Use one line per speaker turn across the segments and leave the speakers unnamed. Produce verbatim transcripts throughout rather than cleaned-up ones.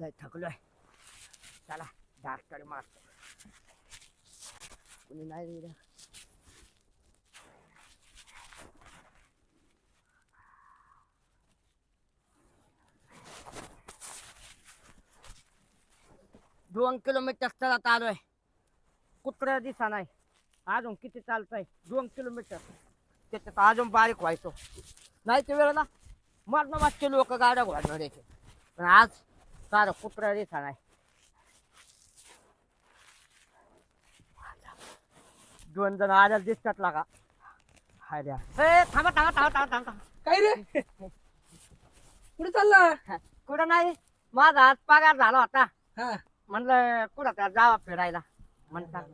लय थकलोय. चला डॉक्टर मारतो. कुणी नाही रे. दोन किलोमीटर चालत आलोय. कुत्रा दिसा नाही. अजून किती चालतंय? दोन किलोमीटर. त्याच्यात अजून बारीक व्हायचो. नाही ते वेळेला मरण वाचचे लोक गाड्या घोडणार यायचे. पण आज सारं कुत्रा दिसा नाही. दोन जण आल्या दिसतात लागा. हाय द्या. ए थांबा थांबा थांबा थांबा थांबा.
काय रे कुठे चालला?
कुठं नाही. माझा आज पगार झाला होता.
हा
म्हणलं कुठं त्या जावा फिरायला म्हणतात.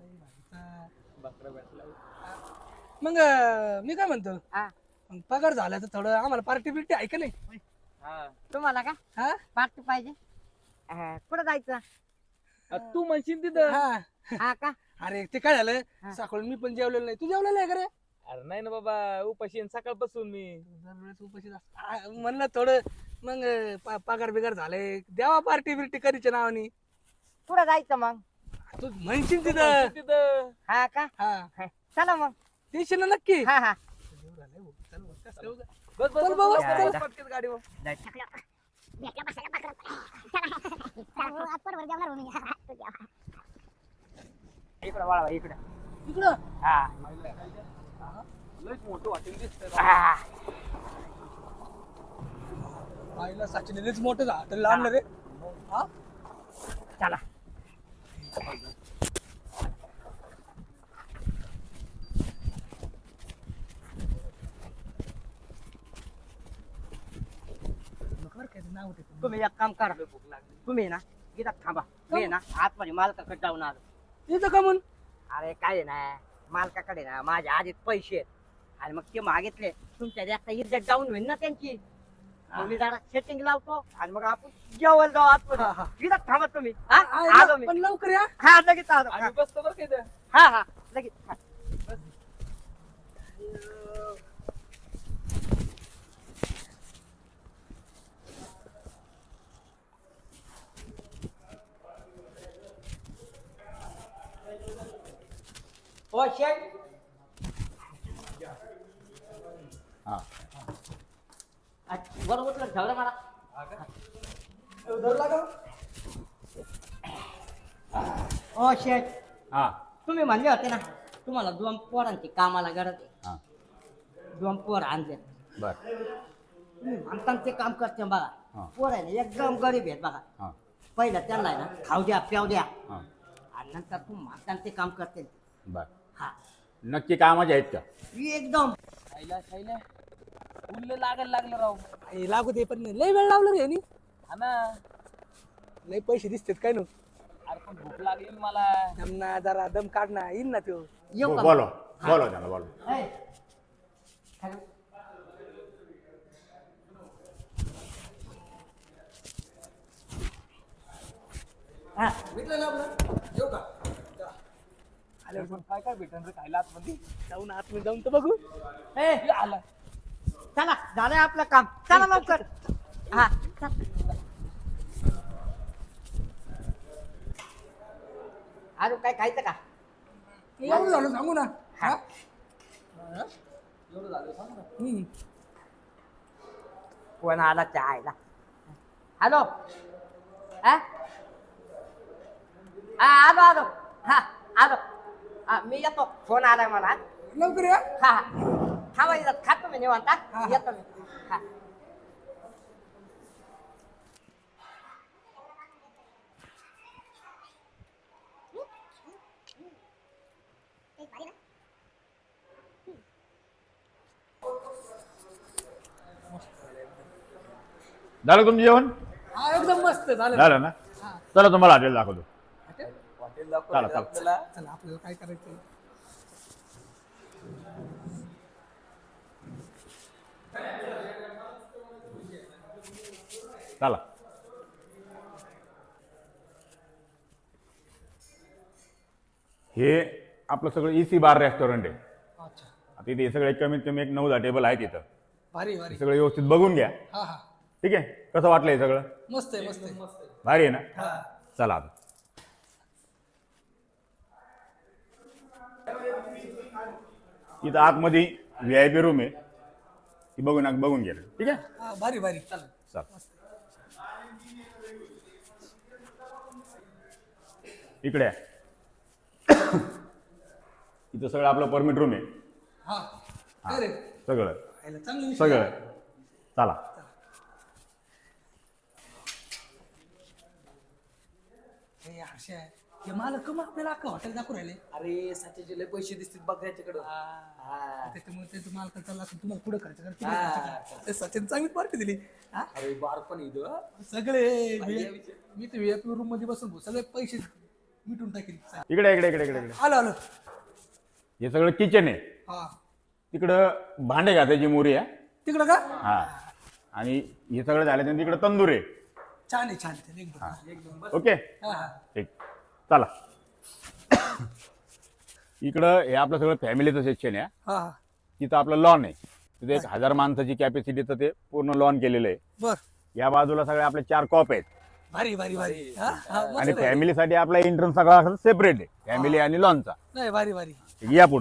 मग अं, मी काय म्हणतो
हा.
मग पगार झाला तर थोडं आम्हाला पार्टी बिर्टी आहे का नाही?
तुम्हाला का
हा
पार्टी पाहिजे? अं, कुठं जायचं?
तू म्हणशील तिथं.
हा
हा का?
अरे ते काय झालं
हा.
सकाळी मी पण जेवलेलं नाही. तू जेवलेलं आहे का रे?
अरे नाही ना बाबा, उपाशी आहे सकाळपासून मी.
दरवेळेस उपाशीच असतो. आ, म्हणलं थोडं मग अं, प- पगार बिगार झाले द्यावा पार्टी बिर्टी करीच्या नावानी.
कुठं जायचं मग?
तू म्हणशील
तू
तिथं.
म्हणशील तिथं.
हा का?
हा
चला मग.
देशील ना नक्की?
हा हा.
चल मग, कसं ठेवू का?
बस बस
चल
बस,
बाबा,
बस,
चल.
बस, पटकन गाडीवर.
इकडं वळवा इकडं.
इकडं
हा
लयच मोठं हॉटेल दिसतंय.
हा.
आईला सचिन लयच मोठं झालं आणलं रे. हा
चला.
बरं काय ते नाव होते.
तुम्ही एक काम करा. तुम्ही ना इथं थांबा. मी ना आतमध्ये मालकाकडे जाऊन आलो.
इथं का म्हणून?
अरे काय आहे ना मालकाकडे ना माझ्या आधीच पैसे आहेत. आणि मग ते मागितले तुमच्या जास्त इज्जत डाऊन होईल ना त्यांची. मग मी जरा सेटिंग लावतो आणि मग आपण जेवण जाऊ आतमध्ये. इथं थांबा तुम्ही. हा? आलो मी.
पण लवकर या.
हा लगेच आलो.
आम्ही बसतो बरं का इथं.
हा हा लगेच. हा. हो शेठ.
हा
अच्छा, बरोबर उचलून ठेवलं मला.
धरला का?
हो शेठ.
हा
तुम्ही म्हणले होते ना तुम्हाला दोन पोरांची कामाला गरज आहे.
हा
दोन पोर आणले.
बर
तुम्ही म्हणता ते काम करते बघा.
हा.
पोर आहे ना एकदम गरीब आहेत बघा.
हा
पहिलं त्यांना आहे ना खाऊ द्या प्याव द्या
हा
आणि नंतर तुम्ही म्हणता ते काम करते.
बर
हा
नक्की कामाचे आहेत का?
एकदम.
खायला खायला उरलं लागायला लागलं राव.
हे लागू दे पण लय वेळ लावला रे यांनी.
हा ना.
लय पैसे दिसतात काय नो.
अरे पण भूक लागली ना मला.
दमना जरा दम काढना येईन ना तो.
येऊ
बो-
का?
बोलो बोलो त्याला बोलो.
ए, हॅलो. हा,
भेटलं ना आपलं येऊ का?
अरे पण काय काय भेटन रे खायला आतमध्ये.
जाऊन आतमध्ये जाऊन तर बघू.
ए,
ये आला.
चला झालंय आपलं काम. चला लवकर. हा चल. अजून काय खायचं का?
एवढं झालं सांगू ना. हा
एवढं झालं सांग ना.
हम्म.
कोण आला चहायला? हॅलो. हा हा, आलो आलो. हा आलो. हा, मी येतो. फोन आलाय मला.
लवकर या.
हा हा थांबा इथं. खातो मी निवांत.
हा,
हा,
हा.
येतो मी. हा.
झालं तुमचं जेवण?
हा एकदम मस्त झालं.
झालं ना. चला तुम्हाला हॉटेल दाखवतो.
हॉटेल दाखव
चला,
रे
चला.
आपल्याला.
चला आपल्याला काय करायचं.
चला हे आपलं सगळं इसी बार रेस्टॉरंट आहे.
अच्छा
आता इथे हे सगळे कमीत कमी एक नऊ दहा टेबल आहेत इथं.
भारी भारी.
हे सगळं व्यवस्थित बघून घ्या.
हा हा
ठीक आहे, कसं वाटलं हे सगळं?
मस्त आहे मस्त आहे
भारी आहे ना?
हा
चला आता इथं आतमध्ये व्ही आय पी रूम आहे, ती बघून बघून गेलं. ठीक आहे,
हा, भारी भारी चालेल.
चल. इकडे आहे. इथं सगळं आपलं परमिट रूम आहे.
हा काय रे
सगळं
खायला चांगलं विषय
सगळं
आहे.
चला.
हे हर्षे आहे. हे मालक कम आपल्याला अख्खा हॉटेल दाखवू राहिले
अरे सच्याचे लय पैसे दिसतील बघ याच्याकडं. हा.
त्याच्यामुळे ते मालक चालला असेल तुम्हाला पुढे खर्च कर
हा.
तुम्ही खर्च करा. ते सचिन चांगली पार्टी दिली हा?
अरे बार पण इथं
सगळे
भाई,
V- मी तर व्हीआयपी रूम मध्ये बसून भाऊ, सगळे पैसे मिटून टाकेल
इकडे इकडे इकडे इकडे इकडे
आलो आलो
हे सगळं किचन आहे.
हा
तिकडं भांडे घासायची मोरी आहे.
तिकडं का
हा, आणि हे सगळं झाल्यानंतर तिकडं तंदूर आहे.
छान आहे छान आहे एकदम एकदम
ओके,
हा हा
ठीक, चला. इकडं हे आपलं सगळं फॅमिलीचं सेक्शन आहे.
हा हा
तिथं आपलं लॉन आहे. तिथे एक हजार माणसाची कॅपॅसिटीचं ते पूर्ण लॉन केलेलं आहे.
बर
या बाजूला सगळे आपले चार कॉप आहेत.
भारी भारी भारी हा हा मस्त
आणि
आहे.
फॅमिलीसाठी आपला एंट्रन्स सगळा सेपरेट आहे, फॅमिली आणि लॉनचा.
नाही भारी भारी
या पुढं.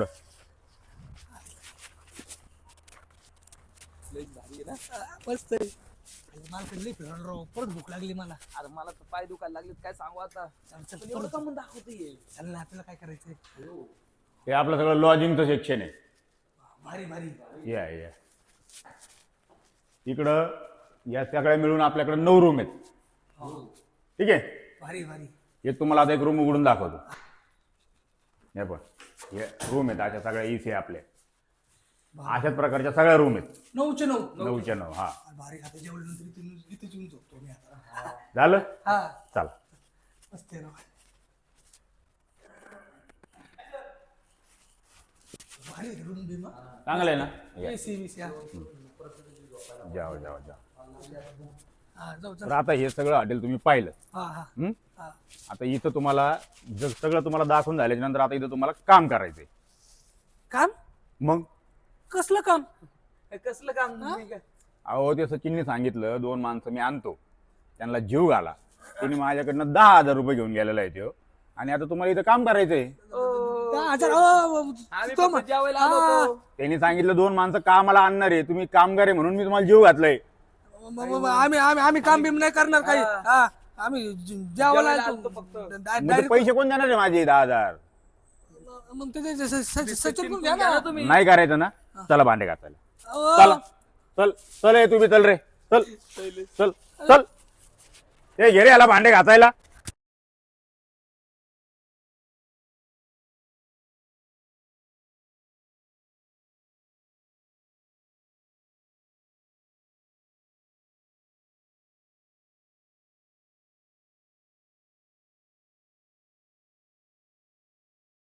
लय भारी आहे ना.
हा, मस्त आहे मला लई फिरायला राव परत भूक लागली मला
अरे मला तर पाय दुखायला लागले काय सांगू आता.
चल चल
पण एवढं
परत
का म्हणून दाखवते.
चल ना आपल्याला काय करायचंय
हे आपलं सगळं लॉजिंगचं सेक्शन आहे.
भारी भारी
या या इकडं या सगळ्या मिळून आपल्याकडे नऊ रूम आहेत. ठीक आहे,
भारी भारी
हे तुम्हाला आता एक रूम उघडून दाखवतो. हे पण हे रूम आहेत, अशा सगळ्या इसी आपल्या अशाच प्रकारच्या सगळ्या रूम आहेत.
नऊचे नऊ
नऊच्या नऊ. हा,
भारी आता जेवल्यानंतर इथे इथे येऊन झोपतो मी आता
झालं.
हा
चला.
मस्त आहे ना भारी रूम बिमा
चांगलं आहे ना? या.
एसी बीसी हा
जाओ जाओ जाओ.
हा, जाऊ
तर
चल
आता हे सगळं हॉटेल तुम्ही पाहिलं.
हा हा
हं?
हा
आता इथं तुम्हाला जग सगळं तुम्हाला दाखवून झाल्याच्या नंतर आता इथं तुम्हाला काम करायचंय.
काम
मग
कसलं काम
हे कसलं काम तुम्ही काय?
अहो ते सचिनने सांगितलं दोन माणसं मी आणतो, त्यांना जीव घाला. तिने माझ्याकडनं दहा हजार रुपये घेऊन गेलेला आहे तो, आणि आता तुम्हाला इथं काम करायचंय.
ओ,
दहा हजार अहो,
आम्ही
तो
फक्त
म्हण-
जेवायला आलो
हा.
होतो.
त्यांनी सांगितलं दोन माणसं कामाला आणणार आहे, तुम्ही कामगार आहे म्हणून मी तुम्हाला जीव घातलाय.
म- म- म- आम्ही आम्ही आम्ही काम बिम नाही करणार काही
हा.
हा आम्ही ज- जेवायला
जेवायला
आलतो.
आलतो फक्त.
डा-
मग ते
डायरेक्ट-
पैसे कोण देणार आहे माझे दहा हजार?
मग ते- ते- ते- स- स- सचिन पण
घ्या
घ्या
ना
ना
तुम्ही.
नाही करायचं ना? चला भांडे घासायला.
अहो,
चला चल चल, ये तुम्ही चल रे, चल चल चल. हे घे रे याला भांडे घासायला.